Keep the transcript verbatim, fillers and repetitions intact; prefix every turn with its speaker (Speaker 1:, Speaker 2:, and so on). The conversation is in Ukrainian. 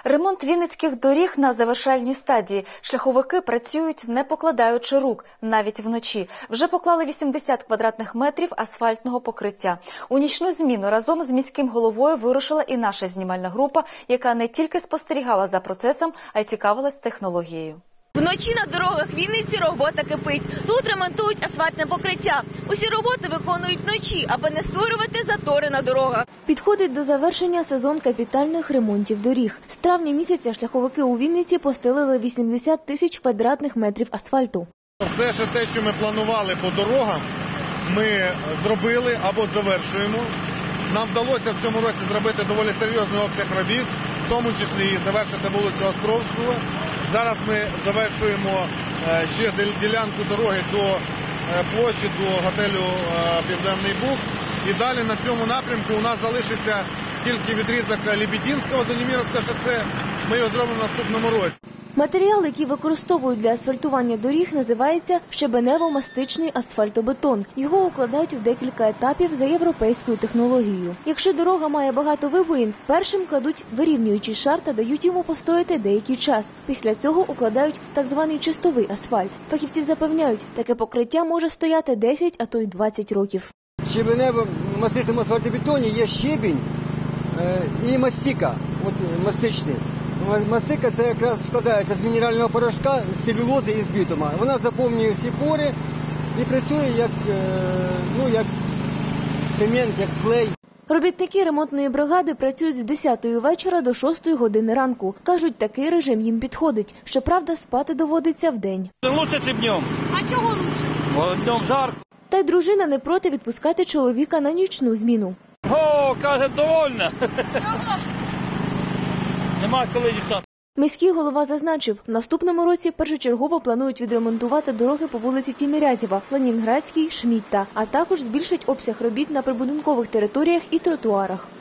Speaker 1: Ремонт вінницьких доріг на завершальній стадії. Шляховики працюють, не покладаючи рук, навіть вночі. Вже поклали вісімдесят квадратних метрів асфальтного покриття. У нічну зміну разом з міським головою вирушила і наша знімальна група, яка не тільки спостерігала за процесом, а й цікавилась технологією.
Speaker 2: Вночі на дорогах Вінниці робота кипить. Тут ремонтують асфальтне покриття. Усі роботи виконують вночі, аби не створювати затори на дорогах.
Speaker 3: Підходить до завершення сезон капітальних ремонтів доріг. З травня місяця шляховики у Вінниці постелили вісімдесят тисяч квадратних метрів асфальту.
Speaker 4: Все ж те, що ми планували по дорогам, ми зробили або завершуємо. Нам вдалося в цьому році зробити доволі серйозний обсяг робіт, в тому числі і завершити вулицю Островського. Зараз ми завершуємо ще ділянку дороги до площі, до готелю «Південний Буг». І далі на цьому напрямку у нас залишиться тільки відрізок Лебединського до Немировського шосе. Ми його зробимо в наступному році.
Speaker 3: Матеріал, який використовують для асфальтування доріг, називається щебенево-мастичний асфальтобетон. Його укладають у декілька етапів за європейською технологією. Якщо дорога має багато вибоїн, першим кладуть вирівнюючий шар та дають йому постояти деякий час. Після цього укладають так званий чистовий асфальт. Фахівці запевняють, таке покриття може стояти десять, а то й двадцять років.
Speaker 5: В щебенево-мастичному асфальтобетоні є щебінь і мастика, от мастичний. Мастика – це якраз складається з мінерального порошка, з целюлози і з бітума. Вона заповнює всі пори і працює як, ну, як цемент, як клей.
Speaker 3: Робітники ремонтної бригади працюють з десятої вечора до шостої години ранку. Кажуть, такий режим їм підходить. Щоправда, спати доводиться вдень.
Speaker 6: Лучше, ніж днем.
Speaker 2: А чого лучше?
Speaker 6: Бо днем жарко.
Speaker 3: Та й дружина не проти відпускати чоловіка на нічну зміну.
Speaker 6: О, каже, довольна. Чого? Нема коли дівчат.
Speaker 3: Міський голова зазначив, в наступному році першочергово планують відремонтувати дороги по вулиці Тімірязєва, Ленінградській, Шмідта, а також збільшать обсяг робіт на прибудинкових територіях і тротуарах.